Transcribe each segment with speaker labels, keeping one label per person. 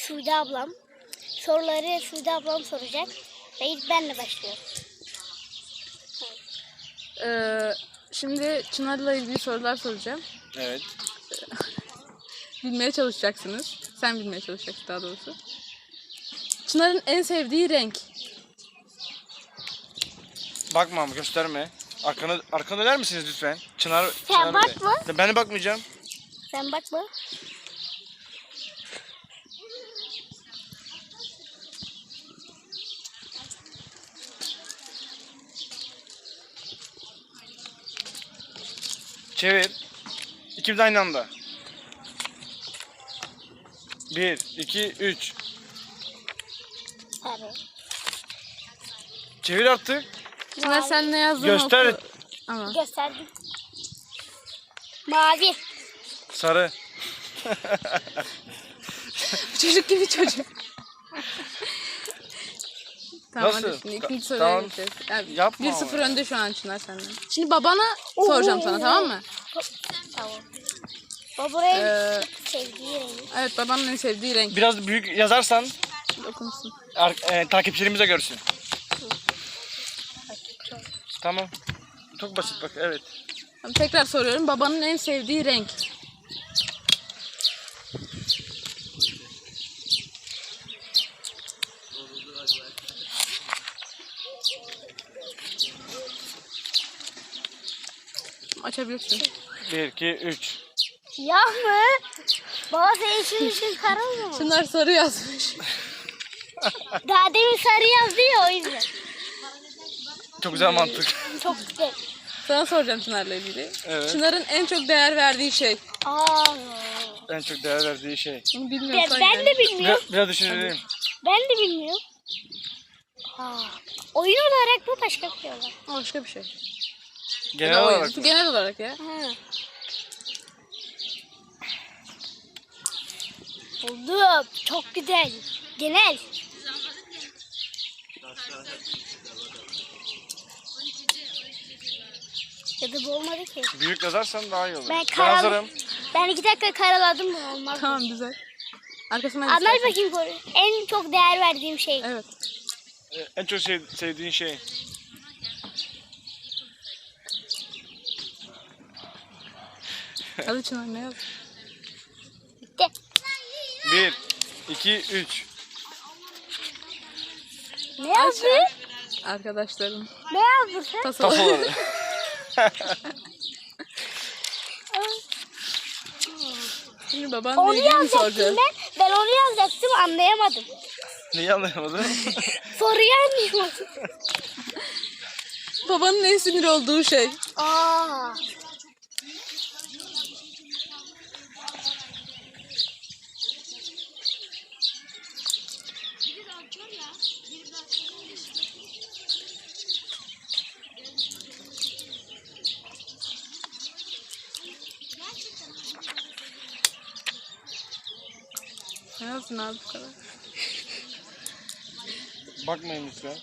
Speaker 1: Sude ablam. Soruları Sude ablam soracak. Ve ilk benle başlıyorum.
Speaker 2: Şimdi Çınar'la ilgili sorular soracağım.
Speaker 3: Evet.
Speaker 2: Bilmeye çalışacaksınız. Sen bilmeye çalışacaksın daha doğrusu. Çınar'ın en sevdiği renk.
Speaker 3: Bakma ama gösterme. Arkana döner misiniz lütfen? Çınar
Speaker 1: bakma.
Speaker 3: Bey. Ben de bakmayacağım.
Speaker 1: Sen bakma.
Speaker 3: Çevir. İkimiz aynı anda. 1, 2, 3.
Speaker 1: Tabii.
Speaker 3: Çevir artık.
Speaker 2: Çınar sen ne yazdığını
Speaker 3: Göster.
Speaker 2: oku. Ama.
Speaker 1: Gösterdim. Mavi.
Speaker 3: Sarı.
Speaker 2: Çocuk gibi çocuk. Tamam,
Speaker 3: Nasıl?
Speaker 2: hadi şimdi ikinci soruya
Speaker 3: Tamam.
Speaker 2: geçeceğiz. Yani
Speaker 3: Yapma
Speaker 2: 1-0
Speaker 3: ama.
Speaker 2: önde şu an Çınar senden. Şimdi babana soracağım sana, tamam mı?
Speaker 1: Tamam. Babanın
Speaker 2: Ee,
Speaker 1: sevdiği renk.
Speaker 2: evet, babanın en sevdiği renk.
Speaker 3: Biraz büyük yazarsan
Speaker 2: Okumuşsun.
Speaker 3: takipçilerimiz de görsün. Tamam. Çok basit bak, evet.
Speaker 2: Tamam, tekrar soruyorum. Babanın en sevdiği renk. Açabilirsin.
Speaker 3: 1, 2, 3.
Speaker 1: Siyah mı? Baba sen için kara mı?
Speaker 2: Çınar sarı yazmış.
Speaker 1: Daha demin sarı yazdı ya, o yüzden.
Speaker 3: Çok güzel mantık.
Speaker 1: Çok güzel.
Speaker 2: Sana soracağım Çınar'la ilgili.
Speaker 3: Evet.
Speaker 2: Çınar'ın en çok değer verdiği şey.
Speaker 1: Aa.
Speaker 3: En çok değer verdiği şey.
Speaker 2: Bunu bilmiyorsan
Speaker 1: Ben de bilmiyorum.
Speaker 3: Biraz düşünelim.
Speaker 1: Ben de bilmiyorum. Oyun olarak mı, başka bir şey olarak?
Speaker 2: Başka bir şey.
Speaker 3: Genel
Speaker 2: Ya da oyun.
Speaker 3: olarak mı?
Speaker 2: Genel olarak ya.
Speaker 1: Ha. Buldum. Çok güzel. Genel. Ya da bu olmadı ki.
Speaker 3: Büyük yazarsan daha iyi olur.
Speaker 1: Ben
Speaker 3: hazırım.
Speaker 1: Ben 2 dakika karaladım mı, olmaz.
Speaker 2: Tamam, güzel. Arkasından
Speaker 1: Anlat
Speaker 2: istersen.
Speaker 1: bakayım koru. En çok değer verdiğim şey.
Speaker 2: Evet.
Speaker 3: En çok sevdiğin şey.
Speaker 2: Hadi Çınar, ne yaz?
Speaker 1: Bitti.
Speaker 3: 1, 2, 3.
Speaker 1: Ne yazdı?
Speaker 2: Arkadaşlarım.
Speaker 1: Ne yazdın sen?
Speaker 2: Tasoları.
Speaker 3: Tasoları.
Speaker 2: Şimdi babanla
Speaker 1: Onu
Speaker 2: ilgili mi soracağız?
Speaker 1: yazacaktım ben. Ben onu yazacaktım, anlayamadım.
Speaker 3: Neyi anlayamadın?
Speaker 1: Soruyu anlayamadım.
Speaker 2: Babanın en sinir olduğu şey.
Speaker 1: Aa.
Speaker 2: Ne yazdın abi bu kadar?
Speaker 3: Bakmayın lütfen.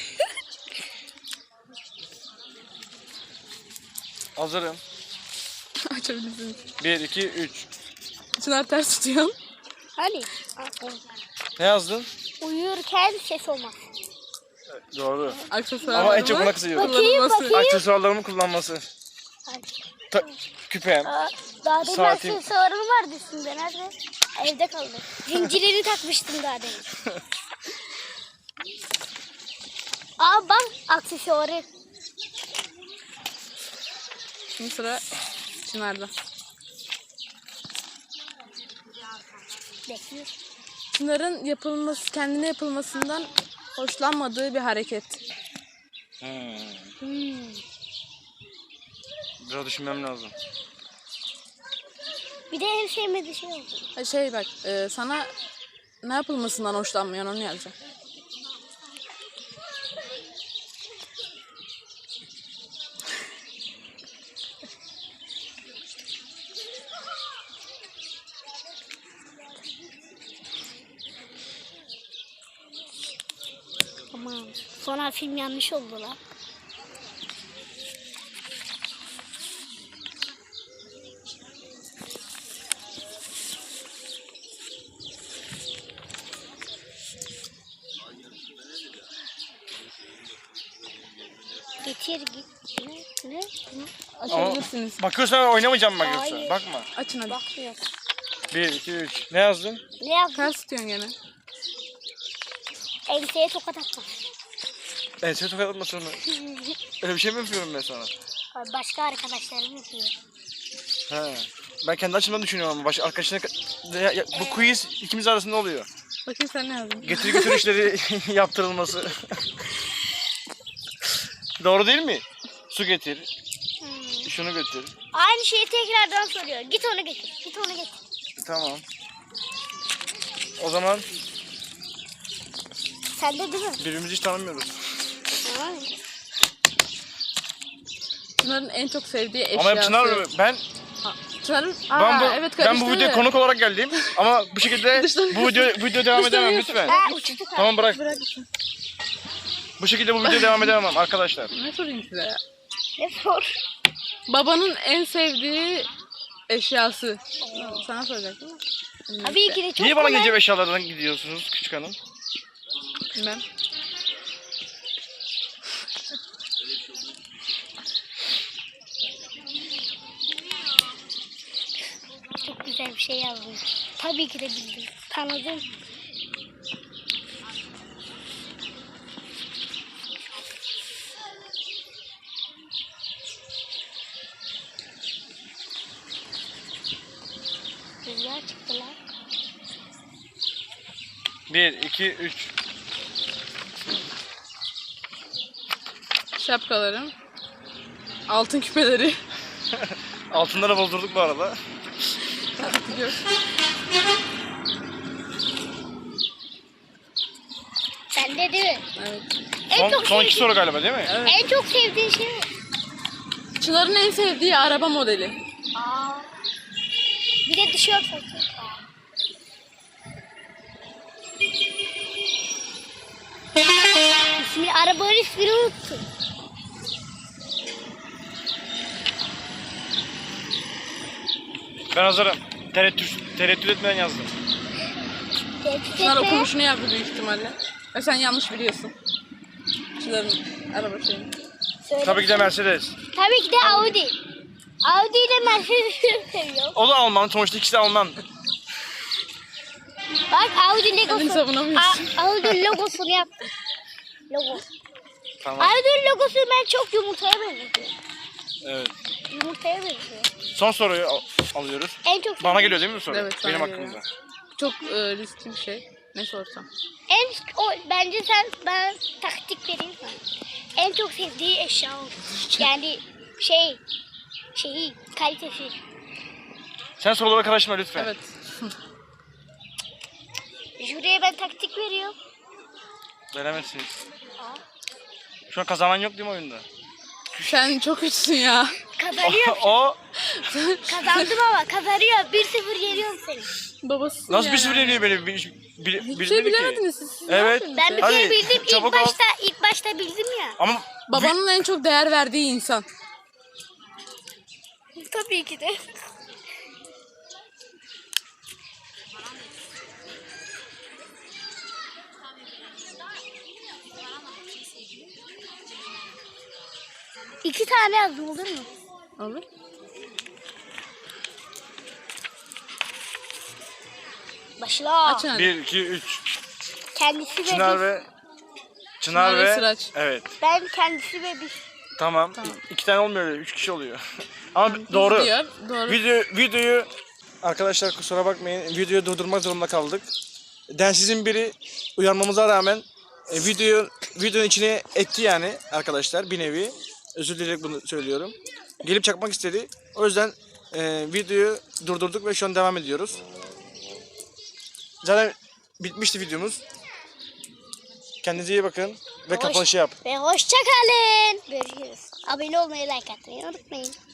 Speaker 3: Hazırım.
Speaker 2: Açabilirsiniz.
Speaker 3: 1, 2, 3.
Speaker 2: Çınar ters tutuyor.
Speaker 1: Hani?
Speaker 3: Ne yazdın?
Speaker 1: Uyurken ses olmaz.
Speaker 3: Doğru.
Speaker 2: Aksesuarlarımı
Speaker 3: Ama en çok buna kızıyorum.
Speaker 2: kullanılması.
Speaker 3: Aksesuarlarımı kullanması.
Speaker 1: Hadi.
Speaker 3: Küpem.
Speaker 1: Daha demin
Speaker 3: Saatim.
Speaker 1: aksesuarım vardı üstünde. Nerede? Evde kaldı. Zincirleri takmıştım daha demin. Aa bak, aksesuarı.
Speaker 2: Şimdi sıra Çınar'da.
Speaker 1: Bekliyor.
Speaker 2: Çınar'ın kendine yapılmasından hoşlanmadığı bir hareket.
Speaker 3: Biraz düşünmem lazım.
Speaker 1: Bir de en sevmediği şey oldu.
Speaker 2: Şey bak, sana ne yapılmasından hoşlanmıyorsun, onu yazacağım.
Speaker 1: Aman. Sonra film yanlış oldu lan. Getir git. Ne?
Speaker 2: Açabilirsiniz.
Speaker 3: Bakıyorsan oynamayacağım bak yoksa.
Speaker 1: Hayır.
Speaker 3: Bakma.
Speaker 2: Açın hadi.
Speaker 1: Bakmıyor.
Speaker 3: 1, 2, 3. Ne yazdın?
Speaker 1: Ne yaptın?
Speaker 2: Ters tutuyorsun gene.
Speaker 1: Enseye tokat atma.
Speaker 3: Ense tokat atmasın mı? Öyle bir şey mi yapıyorum ben sana?
Speaker 1: Başka arkadaşlarım yapıyor.
Speaker 3: He. Ben kendi açımdan düşünüyorum ama başka arkadaşına... Bu quiz ikimiz arasında oluyor.
Speaker 2: Bakayım sen ne yazdın?
Speaker 3: Getir götür işleri yaptırılması. Doğru değil mi? Su getir. Şunu götür.
Speaker 1: Aynı şeyi tekrardan soruyor. Git onu getir. Git onu getir.
Speaker 3: Tamam. O zaman
Speaker 1: Sen de değil mi?
Speaker 3: birbirimizi hiç tanımıyoruz.
Speaker 1: Tamam.
Speaker 2: Çınar'ın en çok sevdiği eşyası.
Speaker 3: Ama hep Çınar ben
Speaker 2: Çınar'ın...
Speaker 3: ben bu
Speaker 2: karıştırdı.
Speaker 3: videoya konuk olarak geldim ama bu şekilde bu video devam edemem lütfen.
Speaker 1: Ha uçtu kaldı.
Speaker 3: Tamam bırak.
Speaker 2: Bırak.
Speaker 3: Bu şekilde bu video devam edemem arkadaşlar.
Speaker 2: Ne sorayım size ya?
Speaker 1: Ne sor?
Speaker 2: Babanın en sevdiği eşyası. Sana soracak değil mi?
Speaker 1: Tabii ki de çok
Speaker 3: Niye bana
Speaker 1: kolay.
Speaker 3: gece eşyalardan gidiyorsunuz küçük hanım?
Speaker 2: Bilmem.
Speaker 1: Çok güzel bir şey yazdım. Tabii ki de bildim. Tanıdım. Rüzgar çıktı lan.
Speaker 3: 1, 2, 3.
Speaker 2: Şapkalarım. Altın küpeleri.
Speaker 3: Altınları bozdurduk bu arada.
Speaker 2: Biliyorsun.
Speaker 1: Sen de değil mi?
Speaker 2: Evet.
Speaker 1: En çok
Speaker 3: Son iki
Speaker 1: sevdiğin,
Speaker 3: soru galiba değil mi?
Speaker 2: Evet.
Speaker 1: en çok sevdiğin şey mi?
Speaker 2: Çınar'ın en sevdiği araba modeli.
Speaker 1: Aa. Bir de tişört satıyor. İsmi, arabanın ismini unuttum.
Speaker 3: Ben hazırım. Tereddüt etmeden yazdım.
Speaker 2: Çınar okumuşunu yaptı büyük ihtimalle. Ve sen yanlış biliyorsun. Çınar'ın araba şeyini.
Speaker 3: Tabii ki de Mercedes.
Speaker 1: Tabii ki de Audi. Audi ile Mercedes'i seviyorum.
Speaker 3: O da Alman. Sonuçta ikisi de Alman.
Speaker 1: Bak Audi
Speaker 2: Kendini
Speaker 1: logosu.
Speaker 2: savunamıyorsun.
Speaker 1: Audi logosunu yaptım. Logo.
Speaker 3: Tamam.
Speaker 1: Audi logosu ben çok yumurtaya benziyor.
Speaker 3: Evet.
Speaker 1: Yumurtaya benziyor.
Speaker 3: Son soruyu alıyoruz.
Speaker 1: En çok
Speaker 3: Bana geliyor değil mi bu soru?
Speaker 2: Evet, sana
Speaker 3: Benim
Speaker 2: geliyor.
Speaker 3: hakkımda.
Speaker 2: Çok riskli bir şey. Ne sorsam.
Speaker 1: Bence ben taktik vereyim sana. En çok sevdiği eşya olur. Yani şeyi kalitesi.
Speaker 3: Sen sorulara karışma lütfen.
Speaker 2: Evet.
Speaker 1: Jüriye ben taktik veriyorum.
Speaker 3: Veremezsiniz. Şu an kazanan yok değil mi oyunda?
Speaker 2: Sen çok kötüsün ya.
Speaker 1: Kazanıyorum.
Speaker 3: O
Speaker 1: Kazandım ama kazanıyor. 1-0 yeniyorum seni.
Speaker 2: Babası
Speaker 3: nasıl
Speaker 2: ya.
Speaker 3: bir sürü yeniyor beni?
Speaker 2: Hiçbir şey bilemediniz siz. Siz ne
Speaker 3: Evet.
Speaker 2: yapıyorsunuz
Speaker 1: Ben
Speaker 2: ya?
Speaker 1: bir
Speaker 3: Hadi,
Speaker 1: kere bildim.
Speaker 3: çabuk ol.
Speaker 1: İlk başta bildim ya.
Speaker 3: Ama
Speaker 2: Babanın en çok değer verdiği insan.
Speaker 1: Tabii ki de. İki tane yazdım olur mu?
Speaker 2: Olur.
Speaker 1: Başla.
Speaker 2: Açın hadi.
Speaker 3: 1, 2, 3.
Speaker 1: Kendisi ve
Speaker 3: Çınar
Speaker 1: biz.
Speaker 3: ve
Speaker 2: Çınar ve Sıraç.
Speaker 3: Evet.
Speaker 1: Ben kendisi ve biz.
Speaker 3: Tamam. İki tane olmuyor öyle. 3 kişi oluyor. Ama doğru.
Speaker 2: Diyor. Doğru.
Speaker 3: Videoyu arkadaşlar kusura bakmayın. Videoyu durdurmak zorunda kaldık. Densizin biri uyarmamıza rağmen videonun içine etti yani arkadaşlar bir nevi. Özür dileyerek bunu söylüyorum. Gelip çakmak istedi. O yüzden videoyu durdurduk ve şu an devam ediyoruz. Zaten bitmişti videomuz. Kendinize iyi bakın ve kapanışı yap.
Speaker 1: Ve hoşça kalın. Görüşürüz. Abone olmayı, like atmayı unutmayın.